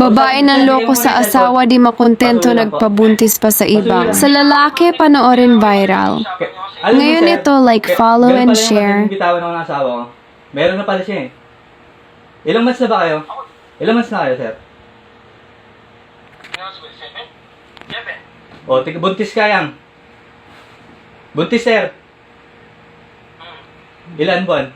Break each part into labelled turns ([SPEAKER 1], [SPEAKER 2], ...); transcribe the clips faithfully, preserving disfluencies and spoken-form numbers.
[SPEAKER 1] Babae ng loko sa asawa di makontento nagpabuntis pa sa iba. Sa lalaki, panoorin viral.
[SPEAKER 2] Alam mo,
[SPEAKER 1] Ngayon
[SPEAKER 2] sir,
[SPEAKER 1] ito, like,
[SPEAKER 2] ga-
[SPEAKER 1] follow
[SPEAKER 2] ganun
[SPEAKER 1] and
[SPEAKER 2] pala yung
[SPEAKER 1] share.
[SPEAKER 2] madaling bitawan ng asawa ko. Meron na pala siya eh. Ilang months na ba kayo? Ilang months na kayo, sir? O, tig buntis ka yan. Buntis, sir. Ilan buwan?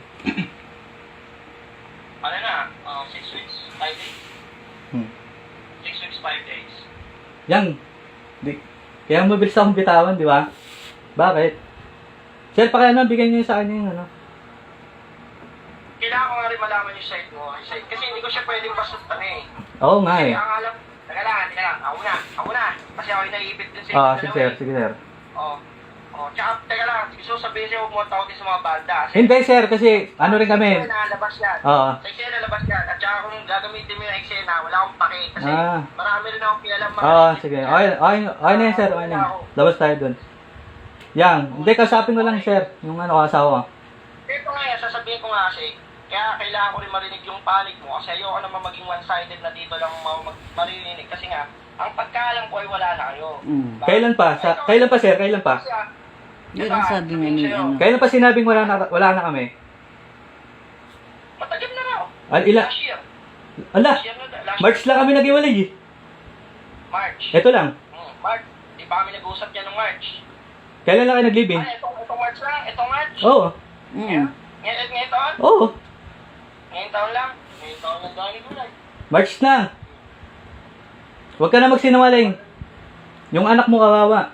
[SPEAKER 3] Ano na? Uh, six weeks, five days?
[SPEAKER 2] Hmm.
[SPEAKER 3] Six weeks, five days.
[SPEAKER 2] Yan. Di, kaya mabilis akong bitawan, di ba? Bakit? Sir, paki ano, bigyan niyo sa kanya yung ano.
[SPEAKER 3] Kailangan ko nga rin malaman yung side mo. Yung side. Kasi hindi ko siya pwedeng basutan eh.
[SPEAKER 2] Oo nga
[SPEAKER 3] Kasi
[SPEAKER 2] eh.
[SPEAKER 3] ang alam, teka lang, teka lang, ako na, ako na. Kasi ako yung naiipit din sa
[SPEAKER 2] Ah,
[SPEAKER 3] inyo
[SPEAKER 2] sige
[SPEAKER 3] dalawa
[SPEAKER 2] sir,
[SPEAKER 3] eh.
[SPEAKER 2] sige sir.
[SPEAKER 3] Oo. Oo, tsaka, teka lang, gusto ko sabihin sa'yo, huwag mo tawagin sa mga banda. Kasi,
[SPEAKER 2] Hindi sir, kasi ano rin kami.
[SPEAKER 3] Sa eksena, lalabas yan.
[SPEAKER 2] Oo.
[SPEAKER 3] Sa eksena, lalabas yan. At tsaka kung gagamitin mo yung eksena, wala akong pake. Kasi
[SPEAKER 2] Ah.
[SPEAKER 3] marami rin akong kilalang mga
[SPEAKER 2] Oo,
[SPEAKER 3] naiipit
[SPEAKER 2] sige.
[SPEAKER 3] dyan.
[SPEAKER 2] Okay, okay, okay na yan sir, okay na yan. Labas tayo dun. Yan. Hindi, kasapin ko lang sir, yung ano, kasawa ko.
[SPEAKER 3] Ito nga yan, sasabihin ko nga kasi, kaya kailangan ko rin marinig yung panic mo kasi ayoko naman maging one-sided na dito lang ma- mag- marinig kasi nga, ang pagkaalam ko ay wala na kayo.
[SPEAKER 4] Mm.
[SPEAKER 3] Diba?
[SPEAKER 2] Kailan pa? Sa,
[SPEAKER 3] Ito,
[SPEAKER 2] kailan pa sir? Kailan pa?
[SPEAKER 3] kasi, ah,
[SPEAKER 4] Yun
[SPEAKER 3] diba,
[SPEAKER 4] ang sabi nga
[SPEAKER 3] sabihin
[SPEAKER 4] ni
[SPEAKER 3] sa'yo,
[SPEAKER 4] ano.
[SPEAKER 2] Kailan pa sinabing wala na, wala na kami?
[SPEAKER 3] Matagal na raw.
[SPEAKER 2] Al, ila,
[SPEAKER 3] Last year.
[SPEAKER 2] ala,
[SPEAKER 3] Last year na, last
[SPEAKER 2] March
[SPEAKER 3] year.
[SPEAKER 2] lang kami nag-iwalay eh.
[SPEAKER 3] March.
[SPEAKER 2] Ito lang.
[SPEAKER 3] Hmm, March. Di pa kami nag-usap niya ng March.
[SPEAKER 2] Kailan lang kayo nag-live-in?
[SPEAKER 3] Ay, itong, itong March lang. Itong March.
[SPEAKER 2] Oo.
[SPEAKER 4] Mm.
[SPEAKER 3] Ngayon, ngayon taon?
[SPEAKER 2] Oo.
[SPEAKER 3] Ngayon taon lang. Ngayon taon lang dahil gulay.
[SPEAKER 2] March na. Huwag ka na magsinungaling. Yung anak mo kawawa.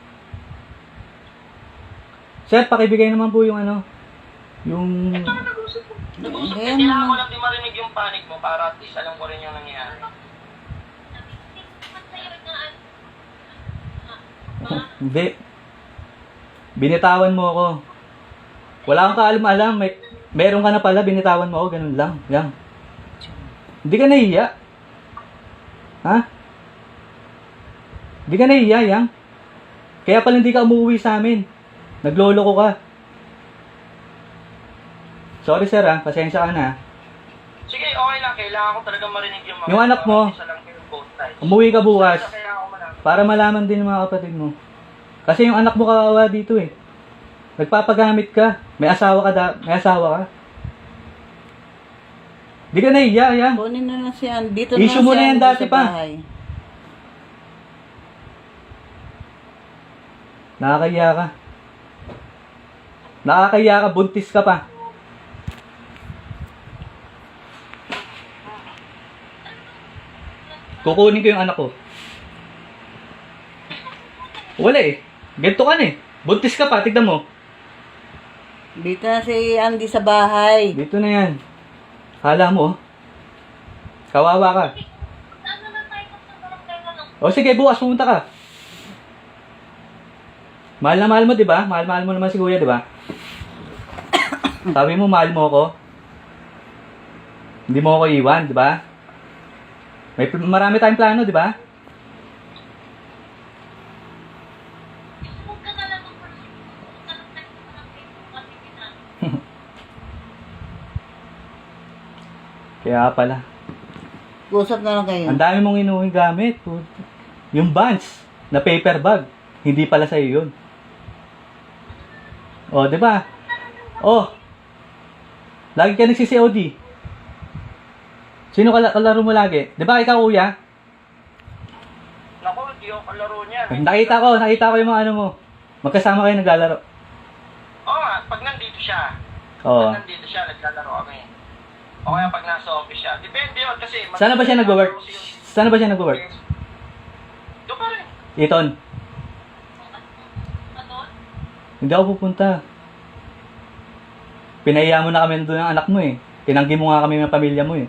[SPEAKER 2] Sir, pakibigay naman po yung ano. Yung...
[SPEAKER 3] Ito na nag-usap ko. Nag-usap ko.
[SPEAKER 4] Ayan
[SPEAKER 3] Kailangan
[SPEAKER 4] naman.
[SPEAKER 3] ko lang din marinig yung panic mo para at least alam ko rin yung nangyayari.
[SPEAKER 2] Hindi. Binitawan mo ako. Wala kang kaalam-alam. May, meron ka na pala, binitawan mo ako. Ganun lang. Yan. Hindi ka nahiya. Ha? Hindi ka nahiya, yang. Kaya pala hindi ka umuwi sa amin. Nagloloko ka. Sorry sir ha, pasensya ka na.
[SPEAKER 3] Sige, okay lang. Kailangan ko talaga marinig yung mga...
[SPEAKER 2] Yung anak mo,
[SPEAKER 3] Isa lang kayo both sides.
[SPEAKER 2] Umuwi ka bukas.
[SPEAKER 3] Kaya kailangan ko malaman.
[SPEAKER 2] Para malaman din ng mga kapatid mo. Kasi yung anak mo kawawa dito eh. Nagpapagamit ka. May asawa ka da, may asawa ka. Di ka nahiya, yan.
[SPEAKER 4] Kunin na lang siya. Dito
[SPEAKER 2] Issue
[SPEAKER 4] na
[SPEAKER 2] mo
[SPEAKER 4] siya
[SPEAKER 2] na yan
[SPEAKER 4] dito
[SPEAKER 2] dati
[SPEAKER 4] sa
[SPEAKER 2] pa.
[SPEAKER 4] bahay.
[SPEAKER 2] Nakakahiya ka. Nakakahiya ka, buntis ka pa. Kukunin ko yung anak ko. Wala eh. Ganito ka na eh. Buntis ka pa, tignan mo.
[SPEAKER 4] Dito na si Andy sa bahay.
[SPEAKER 2] Dito na yan. Hala mo, oh. Kawawa ka. O sige, bukas pumunta ka. Mahal na mahal mo, di ba? Mahal-mahal mo naman si kuya, di ba? Sabi mo, mahal mo ako. Hindi mo ako iwan, di ba? May pl- marami tayong plano, di ba? Kaya pala.
[SPEAKER 4] Usap na lang kayo.
[SPEAKER 2] Ang dami mong inuwi gamit. Puta. Yung Vans na paper bag, hindi pala sa'yo yun. O, di ba? Oh. Lagi ka nagsi-C O D. Sino kala kalaro mo lagi? Di ba ikaw, kuya?
[SPEAKER 3] Naku, hindi ako kalaro niya.
[SPEAKER 2] Nakita ko, nakita ko yung mga ano mo. Magkasama kayo naglalaro.
[SPEAKER 3] Oo nga, pag nandito siya.
[SPEAKER 2] Oo.
[SPEAKER 3] Pag nandito siya, naglalaro kami. O kaya pag nasa office siya. Depende yun kasi...
[SPEAKER 2] Sana ba siya nag-work? Sana ba siya nag-work?
[SPEAKER 3] Doon pa rin.
[SPEAKER 2] Iton. Hindi ako pupunta. Pinahiya mo na kami doon ng anak mo eh. Tinanggi mo nga kami ng pamilya mo eh.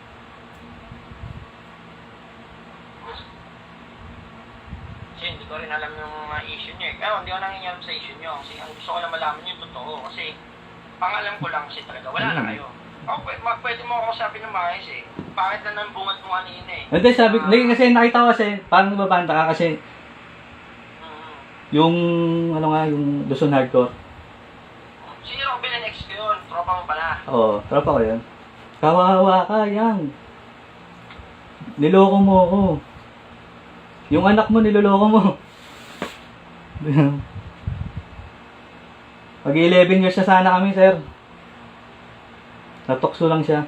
[SPEAKER 3] Kasi hindi ko rin alam yung mga issue niya eh. Pero hindi ko nangingialam sa issue niyo. Kasi ang gusto ko lang malaman yung totoo. Kasi pangalan ko lang kasi talaga. Wala na
[SPEAKER 2] Hmm.
[SPEAKER 3] kayo. Ako, pwede, ma- pwede mo ako sabi ng maayos eh. Bakit na nang bungat mo kanina eh?
[SPEAKER 2] Hindi, sabi,
[SPEAKER 3] Ah,
[SPEAKER 2] hindi, kasi nakita ko kasi, parang nababanta ka kasi
[SPEAKER 3] mm.
[SPEAKER 2] yung, ano nga, yung Luzon Hardcore.
[SPEAKER 3] Si Robin and ex ko yun. Tropa mo pala.
[SPEAKER 2] Oo, tropa ko yun. Kawawa ka, yang. Niloko mo ako. Yung anak mo, niloloko mo. Pag eleven years na sana kami, sir. Natokso lang siya.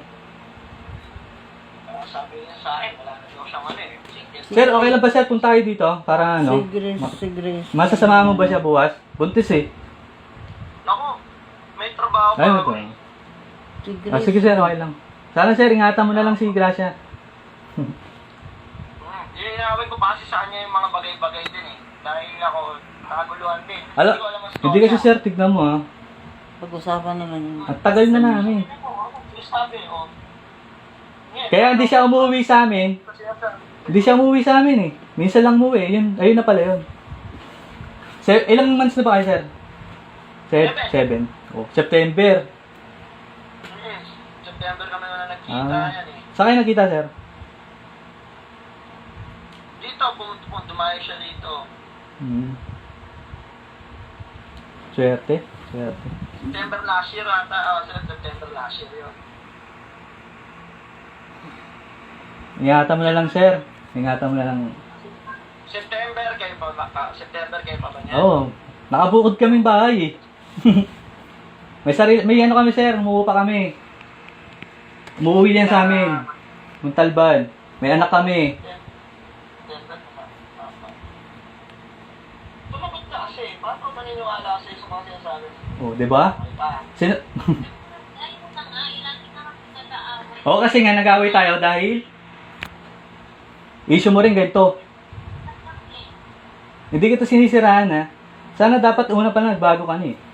[SPEAKER 3] Ah, sabi niya sa akin, wala na daw siyang ano eh. Single.
[SPEAKER 2] Sir, okay lang ba sir kung tayo dito? Para
[SPEAKER 4] Si
[SPEAKER 2] ano?
[SPEAKER 4] Grace,
[SPEAKER 2] ma-
[SPEAKER 4] si Grace.
[SPEAKER 2] Masasama mo ba siya bukas? Buntis eh.
[SPEAKER 3] Naku, may trabaho pa
[SPEAKER 2] Ayun
[SPEAKER 3] ako
[SPEAKER 2] ito.
[SPEAKER 3] eh.
[SPEAKER 4] Si Grace.
[SPEAKER 2] Ah, sige sir, okay lang. Sana sir, ingatan mo na lang si Gracia.
[SPEAKER 3] Hmm, Iinawin ko pa kasi sa kanya yung mga bagay-bagay din eh. Dahil ako, nakaguluhan din.
[SPEAKER 2] Ala,
[SPEAKER 3] ko alam ang
[SPEAKER 2] hindi kasi
[SPEAKER 3] storya.
[SPEAKER 2] sir, tignan mo ah.
[SPEAKER 4] Pag-usapan naman yun.
[SPEAKER 2] At tagal na namin.
[SPEAKER 3] Yung sabi, oh. Ngayon,
[SPEAKER 2] Kaya hindi siya umuwi sa amin.
[SPEAKER 3] kasi nasa-
[SPEAKER 2] Hindi siya umuwi sa amin eh. Minsan lang umuwi. Yun, ayun na pala yun. Se- ilang months na ba kayo, sir? Se-
[SPEAKER 3] Seven.
[SPEAKER 2] seven. Oh, September.
[SPEAKER 3] Hmm, September kami na nagkita
[SPEAKER 2] Ah.
[SPEAKER 3] yan eh.
[SPEAKER 2] Saan kayo nakita, sir?
[SPEAKER 3] Dito, pumunta po, dumayo siya dito.
[SPEAKER 2] Hmm. Swerte. Swerte.
[SPEAKER 3] September last year ata, ah, sir, September last year yun.
[SPEAKER 2] Ingatan mo na lang, sir. Ingatan mo na lang.
[SPEAKER 3] September kayo pa ba? ah, September kayo pa ba niya?
[SPEAKER 2] Oo. Oh, nakabukod kaming bahay eh. may sarili, may ano kami, sir. Umuwi pa kami. Umuwi yan sa amin. Muntalban. May anak kami.
[SPEAKER 3] September pa. Tumagot ka kasi, paano ka maniniwala sa'yo sa mga sinasabi?
[SPEAKER 2] Oh, di ba?
[SPEAKER 3] Okay pa.
[SPEAKER 2] Sino? Oo, kasi nga nag-away tayo dahil issue mo rin ganito. Hindi kita sinisiraan ha. Sana dapat una pa lang nagbago ka na eh.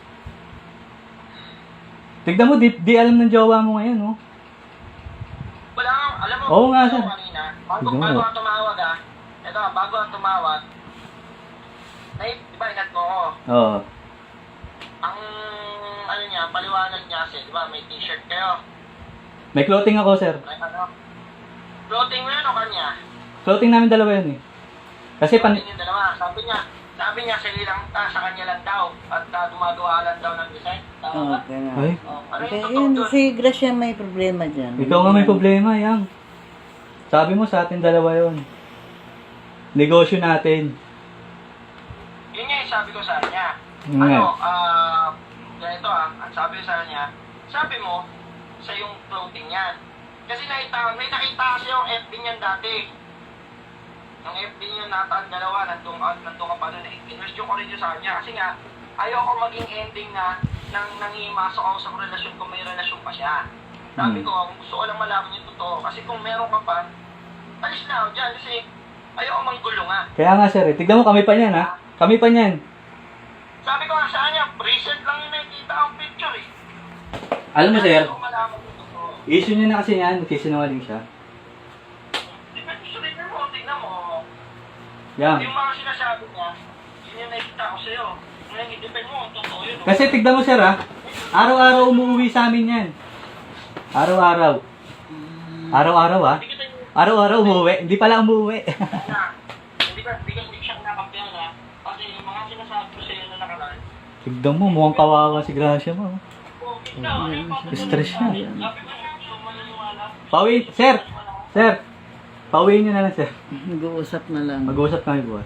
[SPEAKER 2] Tignan mo, di, di alam ng jowa mo ngayon, oh.
[SPEAKER 3] Wala nga, alam mo,
[SPEAKER 2] Oo nga,
[SPEAKER 3] ano
[SPEAKER 2] sir.
[SPEAKER 3] kanina, bago,
[SPEAKER 2] Tignan mo.
[SPEAKER 3] bago ako tumawag ah, ito, bago ako tumawag, na, di ba, ingat mo ako,
[SPEAKER 2] Oo.
[SPEAKER 3] ang, ano niya, paliwanag niya kasi, di ba, may t-shirt kayo,
[SPEAKER 2] May clothing ako, sir.
[SPEAKER 3] may ano, floating mo yun o kanya?
[SPEAKER 2] Clothing namin dalawa yun eh. Kasi pan...
[SPEAKER 3] Floating yung dalawa, sabi niya, sabi niya, sa lang, ah, sa kanya lang daw, at uh, gumagawa lang daw ng design, tama ba?
[SPEAKER 4] Okay nga.
[SPEAKER 2] Ay,
[SPEAKER 3] Oh, ano
[SPEAKER 4] Okay,
[SPEAKER 3] yung totoo
[SPEAKER 4] yun,
[SPEAKER 3] doon?
[SPEAKER 4] si Gracia may problema dyan.
[SPEAKER 2] ikaw nga may problema, yang. Sabi mo sa atin dalawa yon. Negosyo natin.
[SPEAKER 3] Yun nga yung sabi ko sa kanya.
[SPEAKER 2] Yun nga.
[SPEAKER 3] Ano, ah, ganito ah, ang sabi ko sa kanya, sabi mo, sa yung clothing yan. Kasi nakita, may nakita kasi yung F B niyan dati. Yung F B niyan nata ang dalawa, nandun, ka- nandun ka pa doon eh. Kinwestiyon ko rin yun sa kanya. Kasi nga, ayoko maging ending na nang nangimasok ako sa relasyon kung may relasyon pa siya. Sabi
[SPEAKER 2] Hmm.
[SPEAKER 3] ko, gusto ko lang malaman yung totoo. Kasi kung meron ka pa, alis na ako dyan. Kasi ayoko manggulo nga.
[SPEAKER 2] Kaya nga, sir, eh. Tignan mo, kami pa niyan, ha? Kami pa niyan.
[SPEAKER 3] Sabi ko nga sa kanya, recent lang yung nakikita ang picture eh.
[SPEAKER 2] Alam mo, sir,
[SPEAKER 3] Ayoko malaman yung totoo.
[SPEAKER 2] issue niya na kasi yan, nagsisinungaling siya.
[SPEAKER 3] Depende sa rin mo, tingnan mo.
[SPEAKER 2] Yang.
[SPEAKER 3] Yung mga sinasabi niya, yun yung nakikita ko sa'yo. Ngayon, i-depend mo kung totoo yun.
[SPEAKER 2] Kasi tignan mo, sir, ha? Araw-araw umuwi sa amin yan. Araw-araw. Araw-araw, ha?
[SPEAKER 3] Hindi kita yung
[SPEAKER 2] Araw-araw umuwi. Hindi pala umuwi.
[SPEAKER 3] na. Hindi ka, hindi ka, hindi siya nakakampiyan ha. Kasi yung mga sinasabi ko sa'yo na nakaraan.
[SPEAKER 2] Tignan mo, mukhang kawawa si Gracia mo.
[SPEAKER 3] Oh, ikaw, ano yung papatuloy
[SPEAKER 2] Stress
[SPEAKER 3] sa
[SPEAKER 2] siya.
[SPEAKER 3] akin? Sabi ko siya, gusto mo maniniwala.
[SPEAKER 2] Pawi, sir! Sir! Pawiin niyo na lang, sir.
[SPEAKER 4] Nag-uusap na lang.
[SPEAKER 2] Mag-uusap kami bukas.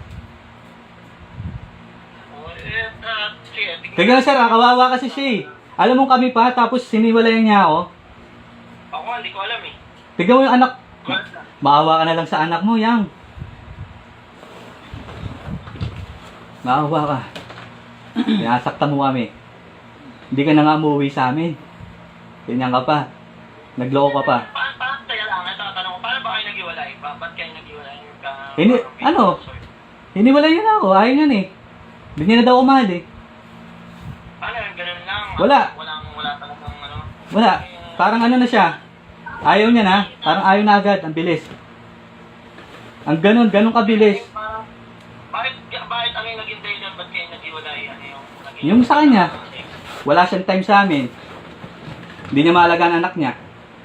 [SPEAKER 3] Oh, eh, ah, sige, tingnan.
[SPEAKER 2] Tignan mo, sir, ha? Kawawa kasi siya eh. Alam mo kami pa, tapos siniwalayan niya ako.
[SPEAKER 3] Ako, hindi ko alam eh.
[SPEAKER 2] Tignan mo yung anak.
[SPEAKER 3] Well,
[SPEAKER 2] Maawa ka na lang sa anak mo, yang. Maawa ka. Sinasaktan mo kami. Hindi ka na nga umuwi sa amin. Ganyan ka pa. Nagloko ka pa.
[SPEAKER 3] paano, paano, teka lang, ito, tanong ko, paano ba kayo nag-iwalay? Ba, ba't kayo nag-iwalay? Ka,
[SPEAKER 2] Hindi, ano? Hiniwalay yun ako. Ayaw yun eh. Hindi niya na daw kumahal eh.
[SPEAKER 3] Ano, ganun lang.
[SPEAKER 2] Wala.
[SPEAKER 3] Walang, wala talagang ano.
[SPEAKER 2] Wala. Parang ano na siya. Ayaw niya na. Parang ayaw na agad. Ang bilis. Ang ganun, ganun kabilis.
[SPEAKER 3] Parang, bakit, bakit ano yung naging dahilan? Ba't kayo nag-iwalay? Ano yung naging...
[SPEAKER 2] Yung sa kanya. Wala siyang time sa amin. Hindi niya maalagaan ang anak niya.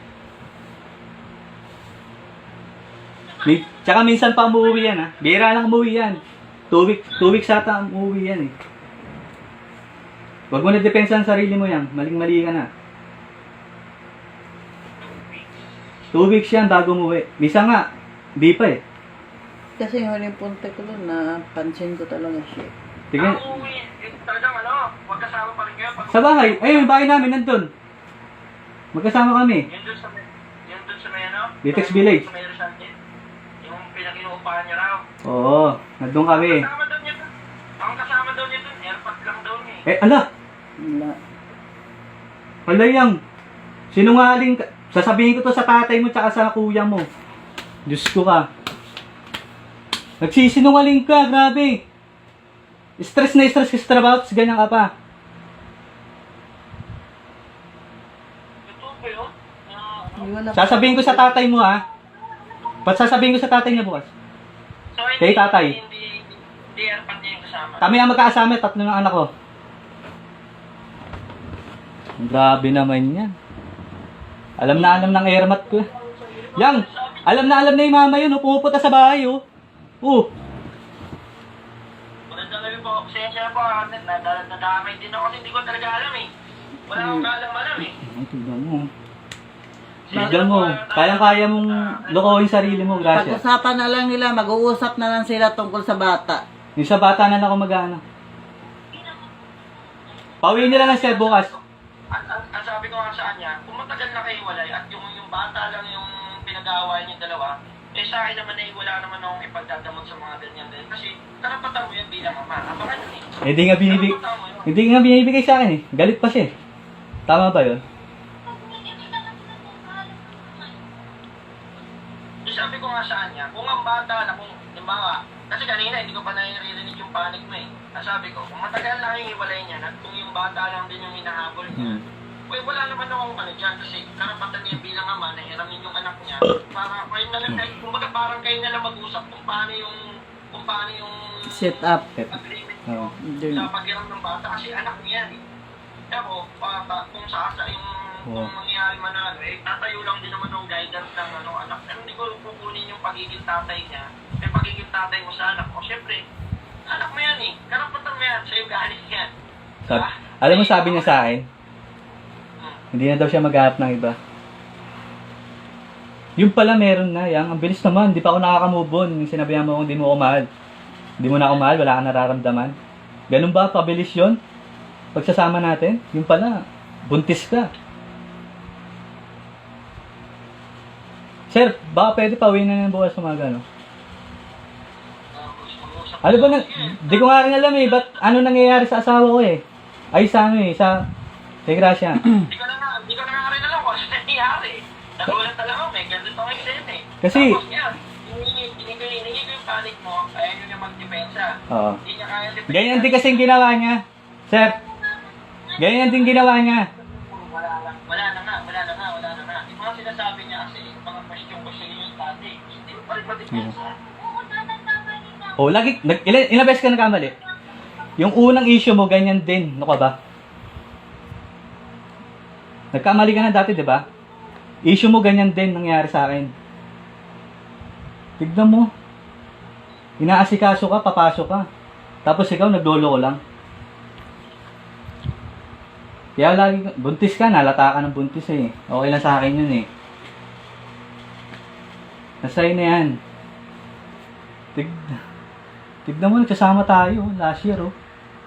[SPEAKER 2] May, tsaka minsan pa umuwi yan ha. Bira lang umuwi yan. Two weeks, two weeks ata umuwi yan eh. Huwag mo na depensa ang sarili mo yan. Maling-mali ka na. Two weeks yan bago umuwi. Misa nga, di pa eh.
[SPEAKER 4] Kasi yung huling punta ko doon, napansin ko talaga siya.
[SPEAKER 2] Tingin,
[SPEAKER 3] Ang uwi, eh, talagang ano, magkasama pa rin kayo. Pag
[SPEAKER 2] sa bahay. Ayun, yung bahay namin nandun. Magkasama kami.
[SPEAKER 3] Yun dun sa may, yun dun sa may ano?
[SPEAKER 2] Litex
[SPEAKER 3] Sa-
[SPEAKER 2] Village.
[SPEAKER 3] Sa may Rizal din. Yung pinakinuupahan niya raw.
[SPEAKER 2] Oo, nandun kami.
[SPEAKER 3] Kasama daw niya dun. Ang kasama daw niya dun, airpot lang daw niya eh.
[SPEAKER 2] Eh, ala,
[SPEAKER 4] Wala.
[SPEAKER 2] ala yang. Sinungaling ka. Sasabihin ko to sa tatay mo tsaka sa kuya mo. Diyos ko ka. Nagsisinungaling ka, grabe. Stress na stress ka sa trabaho, tapos ganyan ka pa.
[SPEAKER 3] Totoo ba yun? Na-
[SPEAKER 4] Hindi wala.
[SPEAKER 2] Sasabihin ko sa tatay mo ha. Ba't sasabihin ko sa tatay niya bukas?
[SPEAKER 3] So, hindi,
[SPEAKER 2] Kay tatay.
[SPEAKER 3] Hindi, hindi airpot niya yung kasama.
[SPEAKER 2] Kami ang magkakasama, tatlo ng anak ko. Grabe naman yan. Alam na alam ng airmat ko. Yang, alam na alam na yung mama yun, oh, pumupunta sa bahay, oh. Oh,
[SPEAKER 3] Maganda kami po. Pasensya na po. ah, nadala- Nadamay din ako kasi hindi ko talaga alam eh. Wala akong kaalam-alam eh.
[SPEAKER 2] ay, tignan mo. Tignan mo, kayang-kaya mong lokohin sarili mo, gracias.
[SPEAKER 4] Pag-usapan na lang nila, mag-uusap na lang sila tungkol sa bata.
[SPEAKER 2] Yung sa bata na lang ako mag-ano. Pauwiin nila lang siya bukas.
[SPEAKER 3] Ang, ang, ang sabi ko nga sa kanya, kung matagal na kayo walay at yung, yung bata lang yung pinag-aawayan yung dalawa, eh sa akin naman eh, wala naman akong ipagdadamot sa mga ganyan din. Kasi karapatan mo yan bilang ama. Abangan yun eh.
[SPEAKER 2] Hindi nga binibig,
[SPEAKER 3] Karapatan mo yun.
[SPEAKER 2] hindi nga binibigay sa akin eh. Galit pa siya eh. Tama ba yun?
[SPEAKER 3] So, sabi ko nga sa kanya, kung ang bata na kung, limbawa, kasi kanina hindi ko pa naririnig yung panic mo eh. Ang sabi ko, kung matagal na yung hiwalay niya, at kung yung bata lang din yung hinahabol niya,
[SPEAKER 2] Hmm.
[SPEAKER 3] Well, wala naman akong ano dyan kasi karapatan niya bilang ama na hiramin yung anak niya para kayo na lang, kumbaga parang kayo na lang mag-usap kung paano yung, kung paano yung
[SPEAKER 4] Set up.
[SPEAKER 3] agreement
[SPEAKER 2] Oo.
[SPEAKER 3] niyo sa paghiram ng bata kasi anak niya yan eh. Kaya ko, pa, pa, kung sa asa yung
[SPEAKER 2] Oo.
[SPEAKER 3] kung mangyayari man na ano, eh, tatayo lang din naman ng guidance ng ano, anak. Pero hindi ko kukunin yung pagiging tatay niya, yung pagiging tatay mo sa anak mo. Siyempre, anak mo yan eh. Karapatan mo yan, sa'yo galing yan.
[SPEAKER 2] Sabi,
[SPEAKER 3] Diba?
[SPEAKER 2] alam mo sabi niya sa akin,
[SPEAKER 3] Hmm.
[SPEAKER 2] hindi na daw siya maghahanap ng iba. Yung pala meron na, yang. Ang bilis naman, di pa ako nakaka-move on. Yung sinabihan mo kung di mo ako mahal. Di mo na ako mahal, wala kang nararamdaman. Ganun ba, pabilis yun? Pagsasama natin, yung pala, buntis ka. Sir, baka pwede pa uwi na ng bukas umaga, no? Ano ba na, di ko nga rin alam eh, ba't ano nangyayari sa asawa ko eh? Ay, sa ano eh, sa, kay Gracia.
[SPEAKER 3] Hindi ko na nga, hindi ko na nga rin alam kung ano nangyayari. Nagulat na lang ako, may ganito ang eksena eh.
[SPEAKER 2] Kasi-
[SPEAKER 3] Tapos yan, hiningi hiningi ko hiningi ko yung panic mo, ayaw nyo niya magdepensa.
[SPEAKER 2] Oo.
[SPEAKER 3] Hindi niya kaya depensa.
[SPEAKER 2] Ganyan din kasi yung ginawa niya. Sir, ganyan din ginawa niya.
[SPEAKER 3] Wala na, wala na nga, wala na nga, wala na nga. Yung mga sinasabi niya kasi, yung mga question ko siya yung tati, hindi mo pa rin madepensa.
[SPEAKER 2] Oh, lagi, nag, ilan, ilang beses ka nagkamali? Yung unang issue mo, ganyan din. Ano ka ba? Nagkamali ka na dati, di ba? Issue mo, ganyan din nangyari sa akin. Tignan mo. Inaasikaso ka, papasok ka. Tapos ikaw, naglolo ko lang. Kaya lagi, ka- buntis ka, nalata ka ng buntis eh. Okay lang sa akin yun eh. Nasa'yo na yan. Tig, tignan mo, nagsasama tayo, last year oh.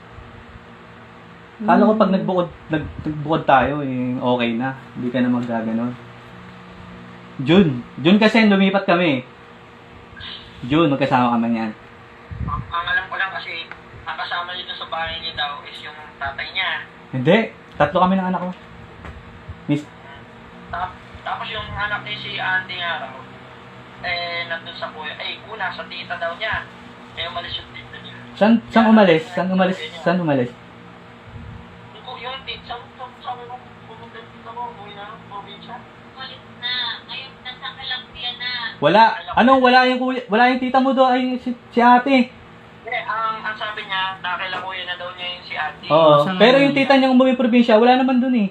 [SPEAKER 2] Kala ko pag nagbukod, nag, nagbukod tayo, eh, okay na. Hindi ka na magaganon. June. June kasi lumipat kami. June, magkasama kami yan.
[SPEAKER 3] Ang, ang alam ko lang kasi, ang kasama niya dun sa bahay niya daw is yung tatay niya.
[SPEAKER 2] Hindi. Tatlo kami ng anak ko. Miss,
[SPEAKER 3] Tap, tapos yung anak niya si Auntie nga raw, eh, nandun sa kuya, eh, una, sa tita daw niya. Eh, umalis yung tita niya.
[SPEAKER 2] saan, saan umalis? Saan umalis? Saan umalis?
[SPEAKER 3] Yung, yung tita, sa, sa, sabi mo, pumunta yung tita mo, umuwi na, probinsya.
[SPEAKER 5] Ulit na. Ngayon, nasa Kalangkia na.
[SPEAKER 2] Wala. Anong wala yung kuya, wala yung tita mo doon, ay si, si ate.
[SPEAKER 3] Eh, ang, ang sabi niya, nakila kuya na daw niya yung si Auntie.
[SPEAKER 2] Oo.
[SPEAKER 4] Saan
[SPEAKER 2] Pero
[SPEAKER 4] nga
[SPEAKER 2] yung
[SPEAKER 4] yun?
[SPEAKER 2] tita niyang umuwi probinsya, wala naman doon eh.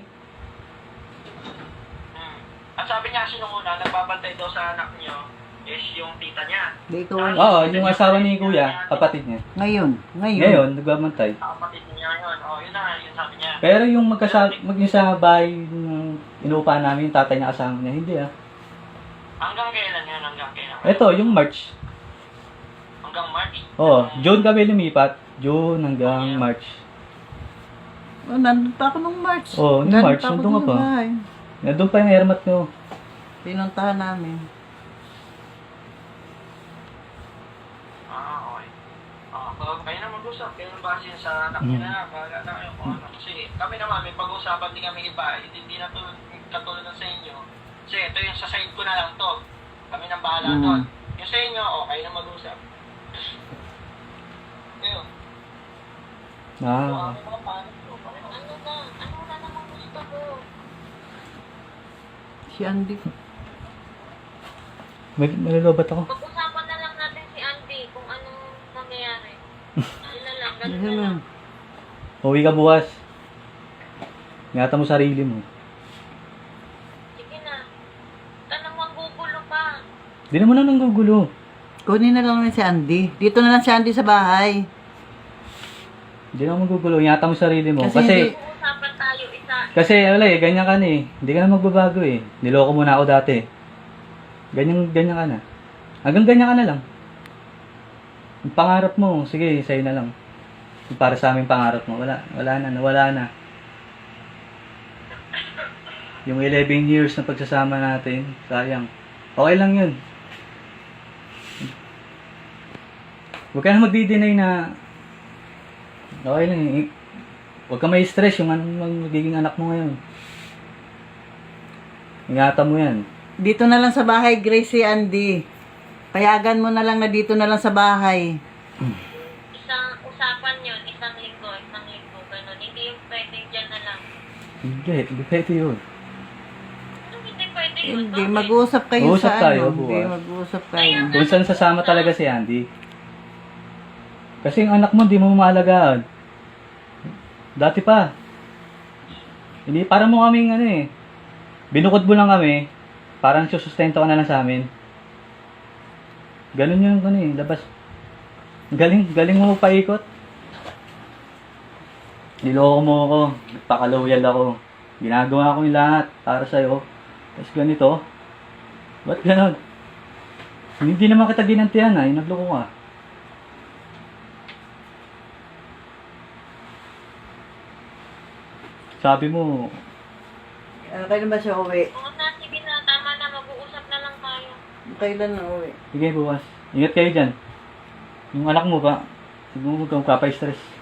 [SPEAKER 3] Hmm. Ang sabi niya kasi nung una, nagbabantay daw sa anak niyo, is yung tita niya.
[SPEAKER 4] Di ko
[SPEAKER 2] Oo, yung asawa ni kuya, kapatid niya.
[SPEAKER 4] Ngayon, ngayon.
[SPEAKER 2] Ngayon, nagbabantay.
[SPEAKER 3] Ah, kapatid niya yun. Oh, yun na, yun sabi niya.
[SPEAKER 2] Pero yung magkasa mag yung sa bahay ng inuupahan namin, yung tatay niya kasama niya, hindi ah.
[SPEAKER 3] Hanggang kailan yan? Hanggang kailan?
[SPEAKER 2] Ito, yung March.
[SPEAKER 3] Hanggang March?
[SPEAKER 2] Oh, June kami lumipat. June hanggang March.
[SPEAKER 4] Oh, nandun pa ako nung March.
[SPEAKER 2] Oh, nung March,
[SPEAKER 4] ako
[SPEAKER 2] nandun ka
[SPEAKER 4] dun
[SPEAKER 2] pa.
[SPEAKER 4] sa bahay.
[SPEAKER 2] Nandun pa yung airmat ko.
[SPEAKER 4] Pinuntahan namin.
[SPEAKER 3] Ah, okay. Ah, uh, kayo na mag-usap. Kayo na base sa anak niya na. Bahala na kayo kung ano. Kasi kami naman, may pag-uusapan din kami iba. Hindi, hindi na to katulad ng sa inyo. Kasi ito yung sa side ko na lang to. Kami nang bahala
[SPEAKER 4] Mm.
[SPEAKER 3] doon. Yung sa inyo, oh, kayo na mag-usap. Ayun.
[SPEAKER 2] Ah,
[SPEAKER 3] Mga mga paano to.
[SPEAKER 5] Ano na? Ano na naman gusto mo?
[SPEAKER 4] Si Andy.
[SPEAKER 2] may nalolobat ako.
[SPEAKER 5] Pag-usapan na lang natin si Andy kung anong mangyayari. Yun na lang, ganun na
[SPEAKER 4] Ayun
[SPEAKER 5] lang.
[SPEAKER 4] lang.
[SPEAKER 2] Uwi ka bukas. Ingatan mo sarili mo.
[SPEAKER 5] Sige na. Tanong ang gugulo pa.
[SPEAKER 2] Di naman na nang gugulo.
[SPEAKER 4] Kunin na lang namin si Andy. Dito na lang si Andy sa bahay.
[SPEAKER 2] Di naman gugulo. Ingatan mo sarili mo.
[SPEAKER 4] Kasi
[SPEAKER 2] Kasi,
[SPEAKER 4] hindi-
[SPEAKER 5] Pag-uusapan tayo isa.
[SPEAKER 2] kasi wala eh, ganyan ka na eh. Hindi ka na magbabago eh. Niloko mo na ako dati. Ganyan, ganyan ka na. Hanggang ganyan ka na lang. Yung pangarap mo, sige, sa'yo na lang. Yung para sa aming pangarap mo, wala, wala na, nawala na. Yung eleven years na pagsasama natin, sayang. Okay lang yun. Huwag ka na magdi-deny na okay lang eh. Huwag ka may stress yung an- yung magiging anak mo ngayon. Ingatan mo yan.
[SPEAKER 4] Dito na lang sa bahay, Grace, si Andy. Payagan mo na lang na dito na lang sa bahay.
[SPEAKER 5] Isang usapan yun, isang linggo, isang linggo, ganun. Hindi yung pwedeng dyan na lang.
[SPEAKER 2] Hindi, hindi pwede yun.
[SPEAKER 5] Anong hindi pwede yun?
[SPEAKER 4] Hindi,
[SPEAKER 5] Bakit?
[SPEAKER 4] mag-uusap kayo
[SPEAKER 2] Mag-uusap
[SPEAKER 4] sa
[SPEAKER 2] tayo,
[SPEAKER 4] ano. Hindi,
[SPEAKER 2] bukas.
[SPEAKER 4] mag-uusap kayo.
[SPEAKER 2] Kung saan sasama talaga si Andy. Kasi yung anak mo, hindi mo maalagaan. Dati pa. Hindi, parang mo kaming ano eh. Binukod mo lang kami. Parang susustento ka na lang sa amin. Ganun yung ano eh, labas. Galing, galing mo paikot. Niloko mo ako. Nagpakaloyal ako. Ginagawa ko yung lahat para sa'yo. Tapos ganito. Ba't ganon? Hindi naman kita ginantihan ha. Yung nagloko ka. Sabi mo,
[SPEAKER 4] Ano, kailan ba siya uwi?
[SPEAKER 5] Oo na, sige na, tama na, mag-uusap na lang tayo.
[SPEAKER 4] Kailan na uwi?
[SPEAKER 2] sige bukas. Ingat kayo dyan. Yung anak mo ba? Huwag mo kang kapa-stress.